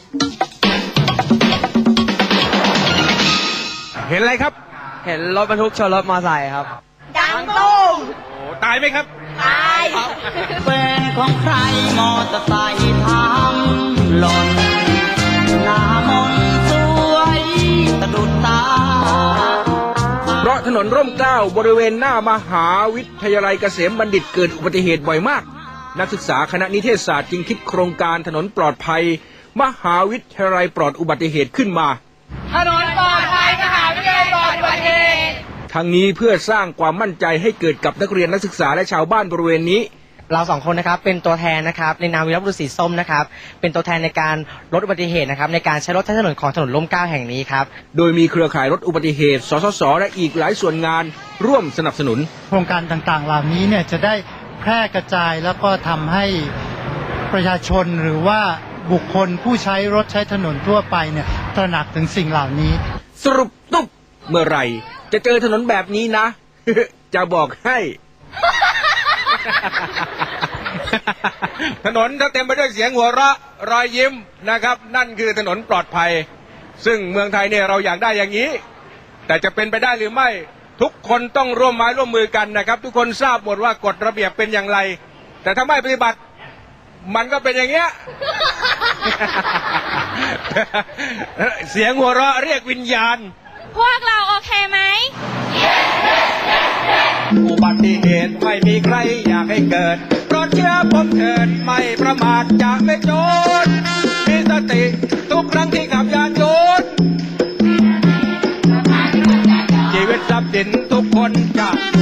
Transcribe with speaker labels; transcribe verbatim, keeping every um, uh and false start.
Speaker 1: เห็นอะไรครับ
Speaker 2: เห็นรถบรรทุกชนรถมอเตอร์ไซค์ครับ
Speaker 3: ดังตุ้ม
Speaker 1: โอ้ตายไหมครับ
Speaker 3: ตาย
Speaker 4: เป็นของใครมอเตอร์ไซค์ทำหล่นหน้ามนสวยสะดุดตา
Speaker 1: เพราะถนนร่มเกล้าบริเวณหน้ามหาวิทยาลัยเกษมบัณฑิตเกิดอุบัติเหตุบ่อยมากนักศึกษาคณะนิเทศศาสตร์จึงคิดโครงการถนนปลอดภัยมหาวิทยาลัยปลอดอุบัติเหตุขึ้นมา
Speaker 3: ถนนปลอดภัยมหาวิทยาลัยปลอดอุบัติเหตุ
Speaker 1: ทั้งนี้เพื่อสร้างความมั่นใจให้เกิดกับนักเรียนนักศึกษาและชาวบ้านบริเวณนี้
Speaker 2: เราสองคนนะครับเป็นตัวแทนนะครับในนามวีรบุรุษสีส้มนะครับเป็นตัวแทนในการลดอุบัติเหตุนะครับในการใช้รถใช้ถนนของถนนร่มเกล้าแห่งนี้ครับ
Speaker 1: โดยมีเครือข่ายรถอุบัติเหตุสสสและอีกหลายส่วนงานร่วมสนับสนุน
Speaker 5: โครงการต่างๆเหล่านี้เนี่ยจะได้แพร่กระจายแล้วก็ทำให้ประชาชนหรือว่าบุคคลผู้ใช้รถใช้ถนนทั่วไปเนี่ยตระหนักถึงสิ่งเหล่านี้
Speaker 1: สรุปตุ๊บเมื่อไหร่จะเจอถนนแบบนี้นะ จะบอกให้ ถนนถ้าเต็มไปด้วยเสียงหัวเราะรอยยิ้มนะครับนั่นคือถนนปลอดภัยซึ่งเมืองไทยเนี่ยเราอยากได้อย่างนี้แต่จะเป็นไปได้หรือไม่ทุกคนต้องร่วมไม้ร่วมมือกันนะครับทุกคนทราบหมดว่ากฎระเบียบเป็นอย่างไรแต่ถ้าไม่ปฏิบัติมันก็เป็นอย่างเงี้ย เสียงหัวเราะเรียกวิญญาณ
Speaker 3: พวกเราโอเคไหม
Speaker 1: อุบัติเหตุไม่มีใครอยากให้เกิดโปรดเชื่อผมเถิดไม่ประมาทจะไม่โจรมีสติทุกครั้งที่ขับยานยนต์ชีวิตทรัพย์สินทุกคนจะ